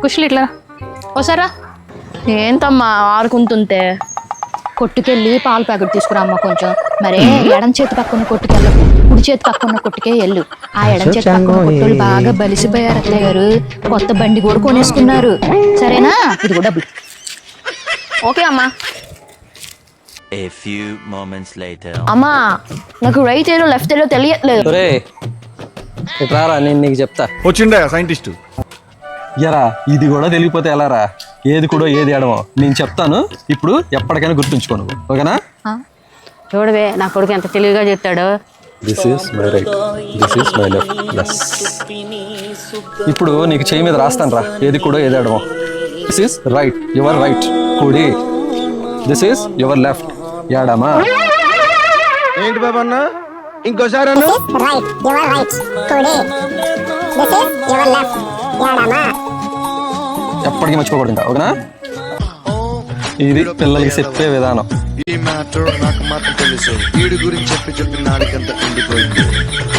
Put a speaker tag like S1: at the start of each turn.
S1: కుషులు ఇట్లా ఓసారా.
S2: ఏంటమ్మా ఆడుకుంటుంటే?
S1: కొట్టుకెళ్ళి పాలు ప్యాకెట్ తీసుకురా అమ్మ కొంచెం. మరే ఎడం చేతి పక్కన కొట్టుకెళ్ళకు, కుడి చేతి పక్కన కొట్టుకే వెళ్ళు. ఆ ఎడం చేతి పక్కన కొట్టులు బాగా బలిసిపోయారు అత్తయ్య గారు. కొత్త బండి కూడా కొనేసుకున్నారు. సరేనా? ఇది కూడా డబ్బులు.
S2: ఓకే అమ్మా.
S3: A few moments later.
S2: అమ్మా నాకు రైట్ ఏదో లెఫ్ట్ ఏదో తెలియట్లేదు.
S4: రారా నేను నీకు చెప్తా.
S5: వచ్చిండా సైంటిస్ట్.
S4: ఎరా ఇది కూడా తెలియపోతే ఎలా రా? ఏది కూడా ఏది ఎడమో నేను చెప్తాను. ఇప్పుడు ఎప్పటికైనా గుర్తుంచుకోను, ఓకేనా?
S6: చూడవే నా కొడుకు ఎంత తెలివిగా చెప్తాడో.
S4: This is my right, this is my left. Yes. ఇప్పుడు నీకు చేయి మీద రాస్తాను రా, ఏది కూడా ఏది ఎడమో. This is right, your right కుడి. దిస్ ఈస్ యువర్ లెఫ్ట్ ఎడమా.
S5: ఏంటి బాబా అన్న ఇంకోసారి అన్న.
S7: రైట్ యువర్ రైట్ కుడి. దిస్ ఇస్ యువర్ లెఫ్ట్ ఎడమ.
S4: ఎప్పటికీ మర్చిపోకూడదు ఇంకా, ఓకేనా? ఇది పిల్లలకి చెప్పే విధానం.
S5: ఈ మ్యాటర్ నాకు మాత్రం తెలుసు. వీడి గురించి చెప్పి నాడికంతా ఎండిపోయింది.